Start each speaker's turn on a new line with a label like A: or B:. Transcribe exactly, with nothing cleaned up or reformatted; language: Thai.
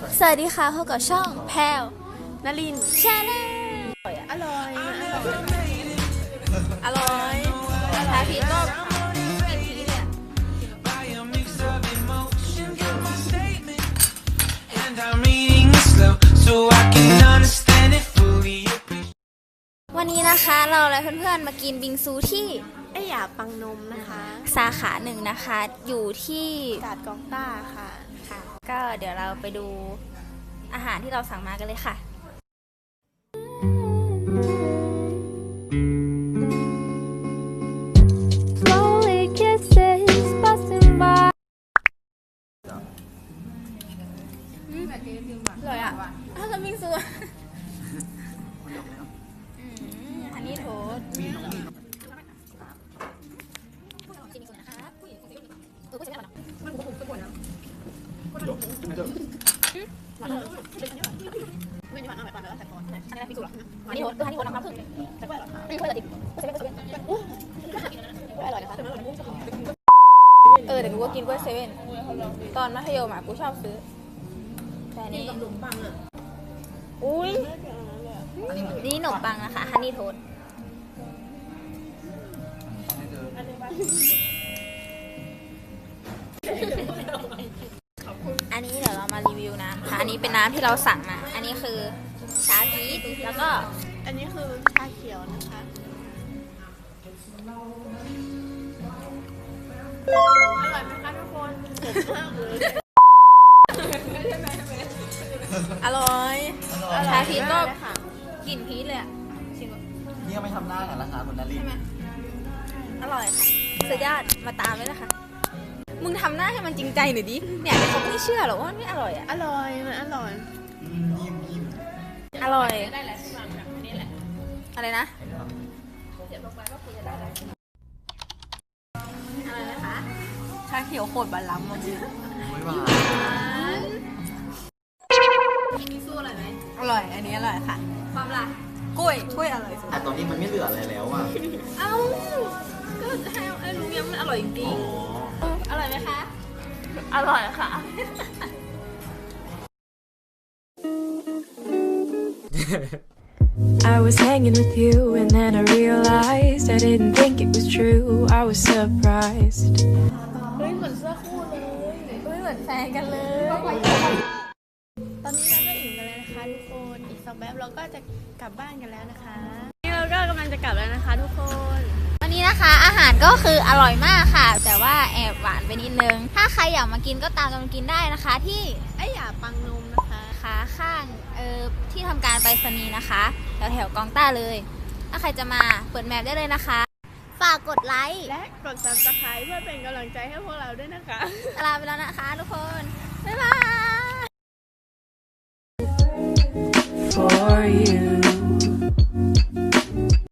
A: สวัสดีค่ะพบกับช่องแพลวนลินชาแนลอร่อยอร่อยทาพีก็กินทีเนี่ยวันนี้นะคะเราและเพื่อนๆมากินบิงซูที่
B: ไอหยาปังนมนะคะ
A: สาขาหนึ่งนะคะอยู่ที่
B: กาดกองต้าค่ะ
A: ค่ะก็เดี๋ยวเราไปดูอาหารที่เราสั่งมากันเลยค่ะอร่อยอ่ะอ้าวแล้วบิงซูอันนี้โทษอันนี้บิงซูเหรออันนี้โทษอันนี้โทษน้ำน้ำผึ้งไม่ค่อยจะติดอร่อยนะคะเออแต่กูก็กินกล้วยเซเว่นตอนมัธยมอ่ะกูชอบซื้อแต่นี่ขนมปังอ่ะอุ้ยนี่ขนมปังนะคะฮันนี่โทสต์อันนี้เดี๋ยวเรามารีวิวน้ำค่ะอันนี้เป็นน้ำที่เราสั่งมาอันนี้คือชาพีชแล้วก็
B: อันนี้คือชาเขียวนะคะอร่อยไหมคะทุกคนเผ็ดมากเลย
A: อร่อยชาพีชก็กลิ่นพีชเลยอ่ะชิม
C: นี่ก็ไม่ทำหน้ากันแล้วค่ะคุณนาริน
A: อร่อยค่ะสุดยอดมาตามเลยนะคะมึงทำหน้าให้มันจริงใจหน่อยดิเนี่ยเขาไม่เชื่อหรอกว่าไม่อร่อยอ่ะ
B: อร่อยมันอร่อย
C: ยิ้มยิ้ม
A: อร่อยอะไรนะอะไรนะคะ
B: ชาเขียวโคตรบาลัมจริง
C: ไม่หวาน
A: มีสู้อร่อยไหม
B: อร่อยอันนี้อร่อยค่ะ
A: ความล่ะ
B: กล้วยกล้วยอร่อยสุด
C: แต่ตอนนี้มันไม่เหลืออะไรแล้วอ่ะ
A: เอ้าก็ให้ไอ้ลุงยังมันอร่อยจริงๆอร่อยไหมคะ
B: อร่อยค่ะ
D: I was hanging with you and then I realized I didn't think it was true. I was surprised.
B: เฮ้ยเหมือนเสื้อคู่เลย
A: เฮ้ยเหมือนแฟนกันเลย
B: ตอนนี้เราก็อิ่มกันแล้วนะคะทุกคนอีกสักแป๊บเราก็จะกลับบ้านกันแล้วนะคะนี่เราก็กำลังจะกลับแล้วนะคะทุกคน
A: วันนี้นะคะอาหารก็คืออร่อยมากค่ะแต่ว่าแอบหวานไปนิดนึงถ้าใครอยากมากินก็ตามกันมากินได้นะคะที่
B: ไอหยาปังนมนะคะ
A: ขาข้างเออที่ทำการไปรษณีย์นะคะแถวแถวกองต้าเลยถ้าใครจะมาเปิดแมปได้เลยนะคะฝากกดไลค์
B: และกด ซับสไครบ์ เพื่อเป็นกำลังใจให้พวกเราด้วยนะคะ
A: ลาไปแล้วนะคะทุกคนบ๊ายบาย
D: For you